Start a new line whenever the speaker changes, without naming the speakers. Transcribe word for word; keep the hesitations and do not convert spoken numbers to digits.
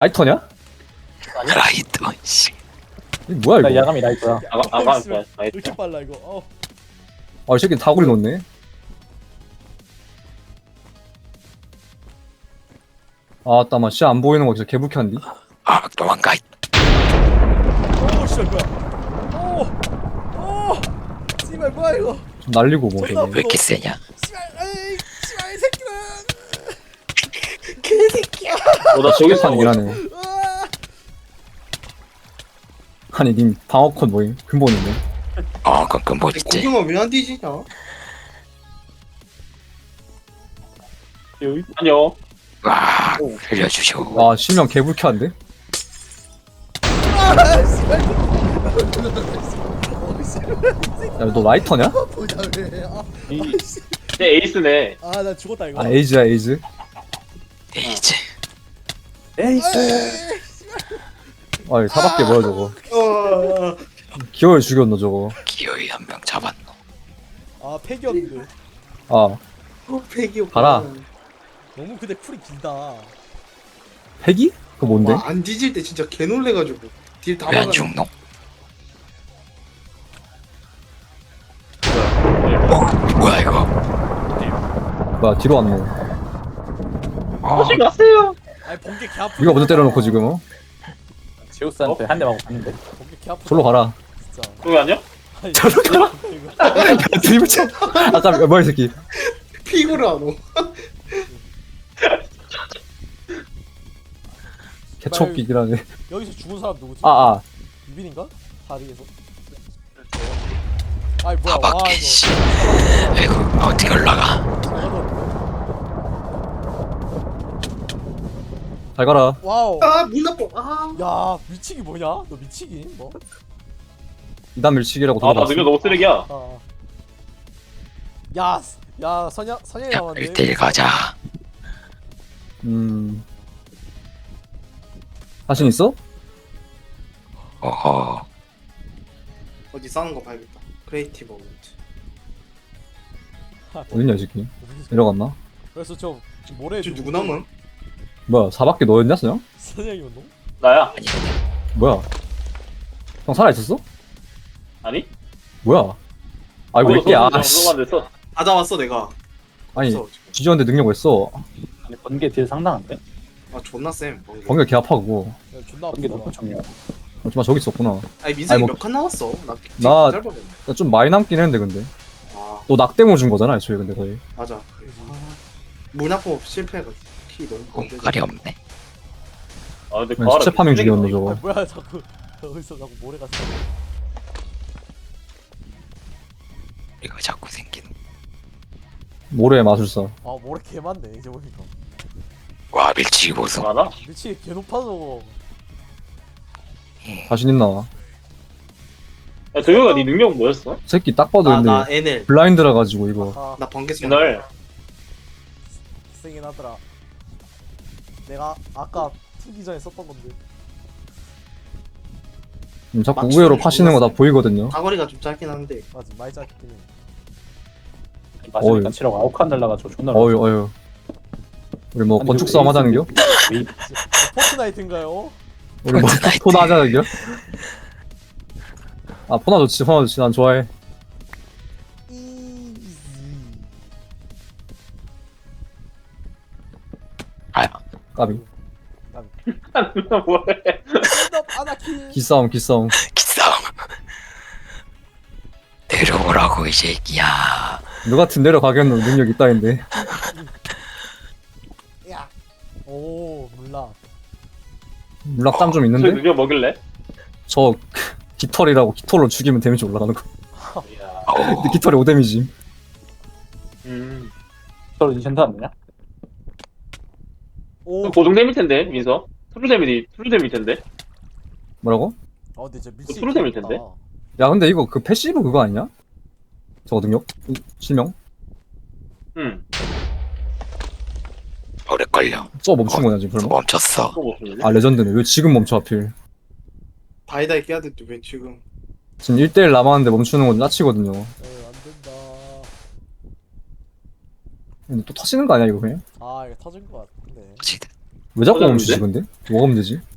라이터냐?
라이터 씨.
이게 뭐야
나
이거?
야감이 라이터야.
아가 아가
어, 씨발.
나
왜 이렇게 빨라 이거. 어.
아, 이 새끼 다구리 놓네. 아, 따마 씨 안 보이는 거 진짜 개불쾌한디?
아 도망가.
오 씨발 뭐야. 오. 오. 씨발 뭐야 이거.
좀 날리고 뭐
존나
되게.
왜 이렇게 세냐?
씨발 에이 씨발 이 새끼는.
어나 저기서
판 일하네.
으아.
아니 님 방어컷 뭐임? 근본인데.
어 그건 뭐 있지?
공룡은 왜 안 뒤지냐?
여기
아니요.
와 살려주쇼.
와 실명 개불쾌한데?
아 씨발. 어 씨발.
야 너 라이터냐?
보자 왜. 아.
이
내 에이스네.
아나 죽었다 이거.
아 에이즈야 에이즈.
에이지.
에이스.
아이 사밖에 뭐야 저거.
어,
기어를 죽였노 저거.
기어이 한 명 잡았노.
아 팩이었는데.
아
어, 패기 오빠.
가라.
너무 근데 쿨이 길다.
패기? 그거 뭔데?
와, 안 뒤질 때 진짜 개 놀래가지고 딜 다
왜 안
막아.
죽노? 뭐야 이거?
뭐야 뒤로 왔노.
하지 마세요.
아니 번개 개 아프.
이거 먼저 때려놓고 지금 어?
제우스한테 한 대 맞고 갔는데.
번개 개 아프.
절로 가라.
진짜.
그거 아니야?
아니,
저로 가라.
이거.
야 드리블 쳐. 아까 뭐야 이 새끼.
피구를 안 오.
개척기긴 하네.
여기서 죽은 사람 누구지?
아 아.
유빈인가? 다리에서? 아이 뭐야 와
바밖에
이거
씨. 아이고 어떻게 올라가?
잘 가라.
와우
아, 문 나빠. 아.
야 미치기 뭐냐? 너 미치기? 뭐?
이단 밀치기라고
아나
들어봤어.
능력 너무 쓰레기야.
아. 야, 야 선야 선야
야
남았네.
일 대일 가자.
음. 자신 있어?
어허.
어디 싸는 거 봐야겠다. 크리에이티브 어벤트.
어딨냐 이 새끼. 내려갔나?
그래서 저 모래
저 누구 남은?
뭐야 사밖에 너였냐 그냥?
선야이면 너?
나야.
뭐야? 형 살아있었어?
아니?
뭐야? 아이고 왜 이렇게 아씨.
안 됐어.
다 잡았어 내가.
아니
없어, 지금.
지지였는데 능력 왜 써?
아니 번개 딜 상당한데?
아 존나 쌤. 번개.
번개 개 아파 그거.
야, 존나
번개
아프다.
너무 중요해.
하지만 저기 있었구나.
아니 민석이
아니, 뭐-
몇 칸 나왔어? 나
나-
짧아졌네.
나 좀 많이 남긴 했는데 근데.
아
너 낙대모 준 거잖아 애초에 근데 거의.
맞아. 아, 문 나빠 실패해가지고 키 너무
공갈이 없네.
아 근데
그냥 시체 파밍 중이었네
아,
저거.
뭐야 자꾸 어디서 자꾸 모래가 써.
이거 자꾸 생기는.
모래의 마술사.
아 모래 개 많네 이제 보니까.
와 밀치기 보소.
많아?
미치 개 높아서.
자신 있나?
야 도영아 네 능력 뭐였어?
새끼 딱 봐도 근데
나나 엔엘.
블라인드라 가지고 이거.
아
나 번개 쏘.
옛날
세긴 하더라. 내가 아까 투기 전에 썼던 건데.
음, 자꾸
맞추는
우회로
게
파시는 거 다
몰랐어.
보이거든요.
사거리가 좀 짧긴 한데.
맞아 많이 짧긴 해.
마시니까
어이.
치라고 아홉 칸 날라가지고 존나.
어휴 어휴. 우리 뭐
아니,
건축
그
싸움
에이스
하자는겨?
웨이-
어, 포트나이트인가요?
우리 뭐
포트나이트.
포나 하자는겨? 아 포나 좋지 포나 좋지 난 좋아해.
이지.
아
까비.
누나 뭐해?
stand 아나키.
기싸움 기싸움.
기싸움. 내려오라고 이 새끼야.
너 같은 내려가겠노 능력 있다인데.
야. 오 몰라.
물락 땀 좀
저
있는데?
능력 먹일래?
저 깃털이라고 깃털로 죽이면 데미지 올라가는 거.
이야.
어우.
근데 깃털이 오 데미지.
음.
서로 인챈트 안 되냐?
오.
고정됨일 텐데 민서. 트루뎀이 트루뎀일 텐데.
뭐라고?
아 근데 진짜 미치.
프로그램일 텐데?
야 근데 이거 그 패시브 그거 아니냐? 저거 능력? 이- 실명?
응.
오래 걸려.
저 멈춘 거냐 지금 설마?
멈췄어.
또 없었는데.
아 레전드네. 왜 지금 멈춰 하필?
바이다이 깨야 돼도 왜 지금?
지금 일 대일 남았는데 멈추는 건 짜치거든요.
에이 안 된다.
근데 또 터지는 거 아니야 이거 그냥?
아 이거 터진 거 같은데.
어찌든
왜 자꾸
터졌는데?
멈추지 근데? 뭐가 문제지?